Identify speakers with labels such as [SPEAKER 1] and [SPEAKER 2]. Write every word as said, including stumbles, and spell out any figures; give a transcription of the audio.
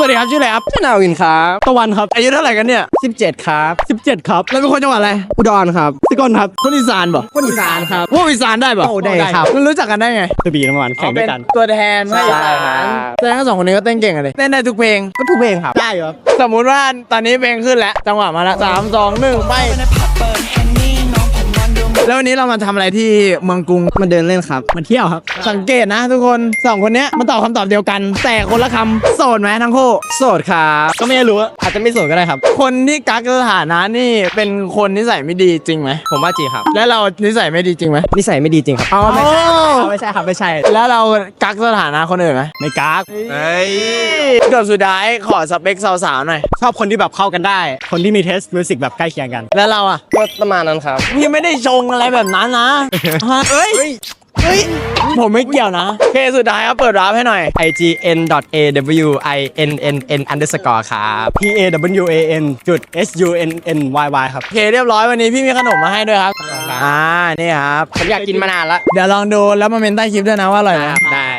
[SPEAKER 1] วัสดีครับชื่ออะไรครับ
[SPEAKER 2] ชื่อนาวินครับ
[SPEAKER 1] ตะวันครับอายุเท่าไหร่กันเนี่ย
[SPEAKER 2] สิบเจ็ดครับ
[SPEAKER 1] สิบเจ็ดครับแล้วเป็นคนจังหวัดอะไร
[SPEAKER 2] อุดรครับ
[SPEAKER 1] สกลครับคนอีสานป่ะ
[SPEAKER 2] คนอีสานครับ
[SPEAKER 1] พวกอีสานได้ป่ะ
[SPEAKER 2] โอ้ได้ครับ
[SPEAKER 1] มันรู้จักกันได้ไงตะบีน้ำมันแข่งด้วยกันตัวแทนไม่
[SPEAKER 2] ใช่ครับ
[SPEAKER 1] แสดงว่าสองคนนี้ก็เต้นเก่งกันเลยเต้นได้ทุกเพลง
[SPEAKER 2] ก็ทุกเพลงครับ
[SPEAKER 1] ได้ครับสมมุติว่าตอนนี้เพลงขึ้นแล้วจังหวะมาแล้วสามสองหนึ่งไปแล้ววันนี้เรามาทำอะไรที่เมืองกรุง
[SPEAKER 2] มาเดินเล่นครับ
[SPEAKER 1] มาเที่ยวครับสังเกตนะทุกคนสองคนเนี้ยมันตอบคำตอบเดียวกัน แต่คนละคำโสดไหมทั้งคู่
[SPEAKER 2] โสดครับก็ไม่รู้อาจจะไม่โสดก็ได้ครับ
[SPEAKER 1] คนที่กักสถานะนี่เป็นคนนิสัยไม่ดีจริงไหม
[SPEAKER 2] ผมว่าจริงครับ
[SPEAKER 1] และเรานิสัยไม่ดีจริงไหม
[SPEAKER 2] นิสัยไม่ดีจริงครับ
[SPEAKER 1] อ๋อไม่ใช่
[SPEAKER 2] ไม่ใช่ครับไม่ใช่
[SPEAKER 1] แล้วเรากักสถานะคนอื่นไหม
[SPEAKER 2] ไม่กัก
[SPEAKER 1] เฮ้ยเกือบสุดท้ายขอสเปคสาวๆหน่อย
[SPEAKER 2] ชอบคนที่แบบเข้ากันได้ คนที่มีเทสมิวสิกแบบใกล้เคียงกัน
[SPEAKER 1] แล้วเราอ่ะ
[SPEAKER 2] ก็ประมาณนั้นครับ
[SPEAKER 1] พี่ไม่ได้ชงอะไรแบบนั้นนะฮะเฮ้ยเฮ้ยผมไม่เกี่ยวนะโอเคสุดท้ายครับเปิดร้านให้หน่อย
[SPEAKER 2] ไอ จี เอ็น ดอท เอ ดับเบิลยู ไอ เอ็น เอ็น เอ็น underscore ครับ P A W A N จุด S U N N Y Y ครับ
[SPEAKER 1] โอเคเรียบร้อยวันนี้พี่มีขนมมาให้ด้วยครับอ่านี่ครับ
[SPEAKER 2] ผมอยากกินมานานละ
[SPEAKER 1] เดี๋ยวลองดูแล้วมาเมนใต้คลิปด้วยนะว่าอร่อยไหม
[SPEAKER 2] ได้